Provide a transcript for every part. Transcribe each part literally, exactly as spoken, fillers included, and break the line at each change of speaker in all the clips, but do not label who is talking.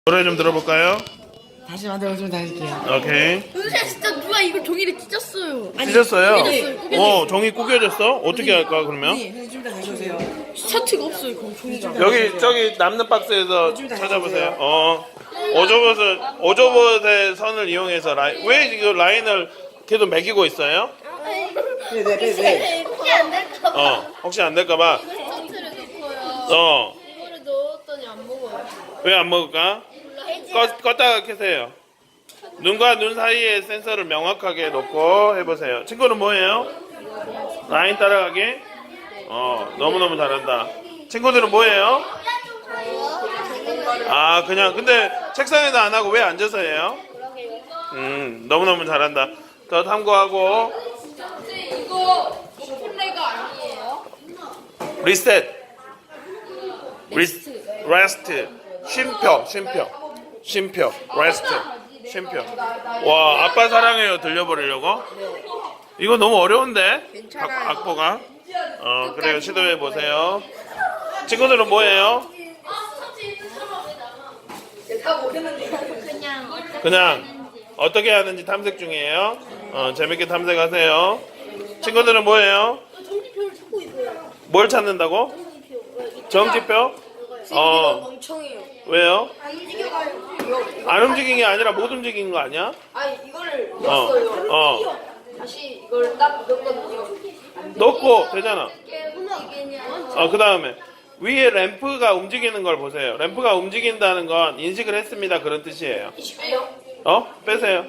노래 좀 들어볼까요?
다시 만들어주면 다닐게요.
오케이.
선생님 진짜 누가 이거 종이를 찢었어요.
찢었어요?
구겨졌어요, 구겨졌어요.
어, 종이 구겨졌어? 어떻게 할까 그러면?
네, 선생님 좀 더 다시 오세요.
셔츠가 없어요. 그럼 종이가.
여기 저기 남는 박스에서 찾아보세요. 어, 오조봇을 오조봇의 선을 이용해서 라인 왜 이거 라인을 계속 매기고 있어요?
네, 네, 네, 네.
혹시 안 될까 봐.
어, 혹시 안 될까봐.
셔츠를 넣고요.
어,
이거를 넣었더니 안 먹어요.
왜 안 먹을까? 껐, 껐다가 켜세요. 눈과 눈 사이에 센서를 명확하게 놓고 해보세요. 친구는 뭐예요? 라인 따라가기? 어, 너무너무 잘한다. 친구들은 뭐예요? 아, 그냥, 근데 책상에도 안 하고 왜 앉아서 해요? 음, 너무너무 잘한다. 더 탐구하고,
이거 플레이가 아니에요?
리셋. 리스, 레스트. 쉼표, 쉼표. 쉼표, 레스트. 쉼표. 와, 아빠 사랑해요 들려버리려고? 이거 너무 어려운데? 악, 악보가? 어, 그래요. 시도해 보세요. 친구들은 뭐예요?
그냥
그냥 어떻게 하는지 탐색 중이에요. 어, 재밌게 탐색하세요. 친구들은 뭐예요?
종이표를 찾고 있어요.
뭘 찾는다고? 정지표? 어,
멍청해요.
왜요?
안 움직여가요.
안 움직인 게 아니라 못 움직인 거 아니야?
아니 이거를
어,
넣었어요.
어.
다시 이걸 딱 넣었거든요.
넣고 되잖아.
움직이냐?
어, 그 다음에 위에 램프가 움직이는 걸 보세요. 램프가 움직인다는 건 인식을 했습니다. 그런 뜻이에요.
이십이요?
어? 빼세요.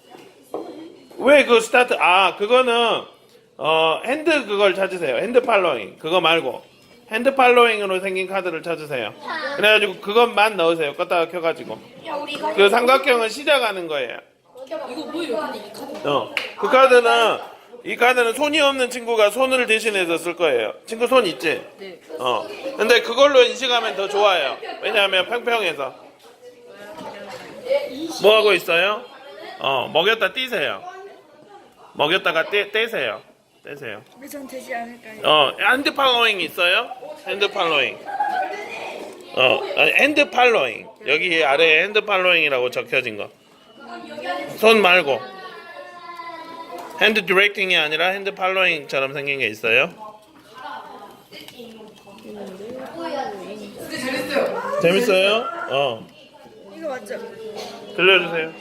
왜 그 스타트, 아, 그거는, 어, 핸드 그걸 찾으세요. 핸드 팔로잉. 그거 말고. 핸드 팔로잉으로 생긴 카드를 찾으세요. 그래가지고 그것만 넣으세요. 껐다가 켜가지고.
야 우리 이거
그 삼각형을 시작하는 거예요.
이거 뭐예요? 근데 이 카드.
어. 그 카드는, 이 카드는 손이 없는 친구가 손을 대신해서 쓸 거예요. 친구 손 있지?
네.
어. 근데 그걸로 인식하면 더 좋아요. 왜냐하면 평평해서. 뭐 하고 있어요? 어, 먹였다 띄세요. 먹였다가 떼, 떼세요. 떼세요.
근데 전 되지 않을까요?
어, 핸드 팔로잉 있어요? 핸드 팔로잉. 어, 아니, 핸드 팔로잉. 여기 아래에 핸드 팔로잉이라고 적혀진 거. 손 말고. 핸드 디렉팅이 아니라 핸드 팔로잉처럼 생긴 게 있어요. 재밌어요? 어.
이거 맞죠?
들려주세요.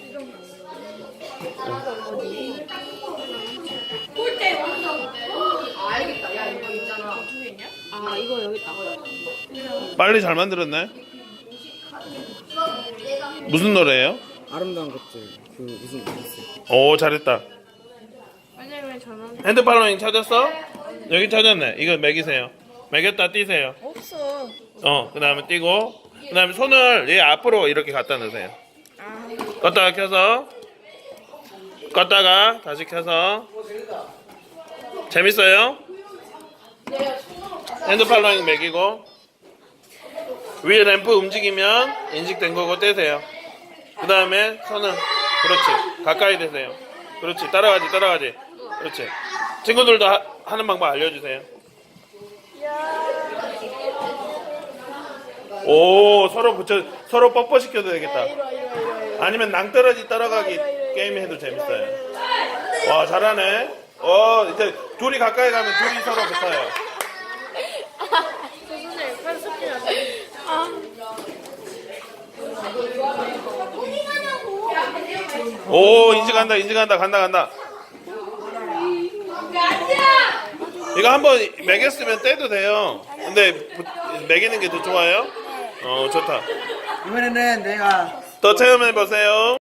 꼴대 완성. 아 알겠다. 야 이거 있잖아. 두 개냐? 아 이거 여기 있다고요.
빨리 잘 만들었네. 무슨 노래예요?
아름다운 것들. 그 무슨 무슨.
오, 잘했다.
왜냐면 저는
핸드 팔로잉 찾았어? 여기 찾았네. 이거 매기세요. 매겼다 띄세요.
없어.
어, 그 다음에 띄고, 그 다음에 손을 얘 앞으로 이렇게 갖다 놓으세요. 껐다가 켜서, 껐다가 다시 켜서. 재밌어요? 핸드 팔로잉 매기고, 위에 램프 움직이면 인식된 거고 떼세요. 그 다음에 손은, 그렇지. 가까이 대세요. 그렇지. 따라가지, 따라가지. 그렇지. 친구들도 하, 하는 방법 알려주세요. 오, 서로 붙여, 서로 뻑뻑 시켜도 되겠다. 아니면 낭떠러지 따라가기 게임 해도 재밌어요. 와, 잘하네. 어, 이제 둘이 가까이 가면 둘이 서로 붙어요.
선생님 빨리 섞이지 않아요?
오, 인식한다, 인식한다, 간다, 간다. 이거 한번 매겼으면 떼도 돼요. 근데 부- 매기는 게 더 좋아요? 어, 좋다.
이번에는 내가
더 체험해 보세요.